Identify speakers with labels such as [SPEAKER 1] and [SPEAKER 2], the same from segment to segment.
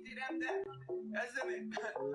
[SPEAKER 1] siktir hem de. Ezemi.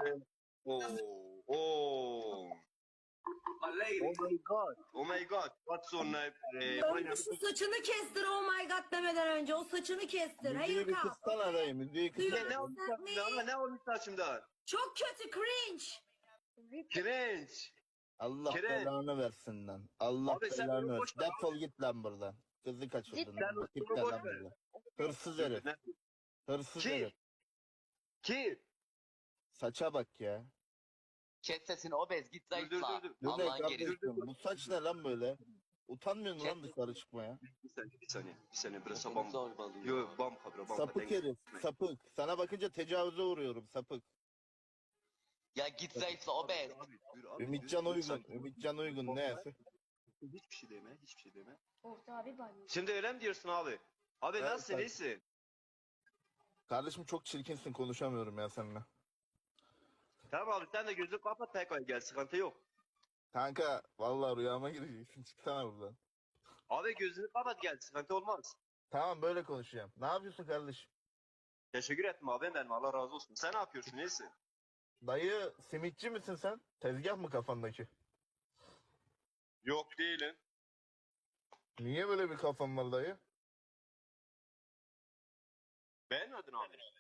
[SPEAKER 2] Oh my god. Oh my god. What's on
[SPEAKER 3] Önce şu saçını kestir oh my god demeden önce. O saçını kestir.
[SPEAKER 4] Müziği
[SPEAKER 3] Hayır
[SPEAKER 4] bir
[SPEAKER 3] kal.
[SPEAKER 4] kıssana dayı, müziği kıssana.
[SPEAKER 2] ne olmuş saçımdan? Ne olmuş saçımdan?
[SPEAKER 3] Çok kötü cringe.
[SPEAKER 2] Cringe.
[SPEAKER 4] Allah
[SPEAKER 2] Kire.
[SPEAKER 4] belanı versin lan. Allah
[SPEAKER 2] Abi sen
[SPEAKER 4] belanı
[SPEAKER 2] bunu
[SPEAKER 4] versin.
[SPEAKER 2] boş ver
[SPEAKER 4] Defol git lan buradan. Kızı kaçırdın.
[SPEAKER 2] Sen
[SPEAKER 4] lan. Git
[SPEAKER 2] bunu boş
[SPEAKER 4] lan
[SPEAKER 2] ver.
[SPEAKER 4] buradan. Hırsız herif. Hırsız
[SPEAKER 2] Ki?
[SPEAKER 4] herif.
[SPEAKER 2] Ki?
[SPEAKER 4] Saça bak ya.
[SPEAKER 5] Kes sesini obez git zayıfla.
[SPEAKER 2] dur.
[SPEAKER 4] Bu ne
[SPEAKER 5] Allah'ın
[SPEAKER 4] kardeşim?
[SPEAKER 5] gerisi.
[SPEAKER 4] Bu saç ne lan böyle? Utanmıyor musun lan dışarı çıkmaya?
[SPEAKER 2] Bir saniye. Burası bam.
[SPEAKER 5] Zorbalıyor.
[SPEAKER 2] Yo bam kabra bam.
[SPEAKER 4] Sapık herif. Sapık. Sana bakınca tecavüze uğruyorum sapık.
[SPEAKER 5] Ya git zayıfla obez.
[SPEAKER 4] Ümitcan Uygun. Ümitcan Uygun neyse.
[SPEAKER 2] Hiçbir şey deme.
[SPEAKER 6] Orta abi banyo.
[SPEAKER 2] Şimdi öyle mi diyorsun abi? Abi
[SPEAKER 4] Evet,
[SPEAKER 2] nasılsın
[SPEAKER 4] tabii.
[SPEAKER 2] iyisin?
[SPEAKER 4] Kardeşim çok çirkinsin, konuşamıyorum ya seninle.
[SPEAKER 2] Tamam abi sen de gözünü kapat tekrar gel sıkıntı yok.
[SPEAKER 4] Kanka vallahi rüyama gireceksin, çıksana buradan.
[SPEAKER 2] Abi gözünü kapat gel sıkıntı olmaz.
[SPEAKER 4] Tamam böyle konuşacağım. Ne yapıyorsun kardeşim?
[SPEAKER 2] Teşekkür ettim abi benim Allah razı olsun. Sen ne yapıyorsun iyisin?
[SPEAKER 4] Dayı simitçi misin sen? Tezgah mı kafandaki?
[SPEAKER 2] Yok değilim.
[SPEAKER 4] Niye böyle bir kafan var dayı?
[SPEAKER 2] Beğenmedin abi.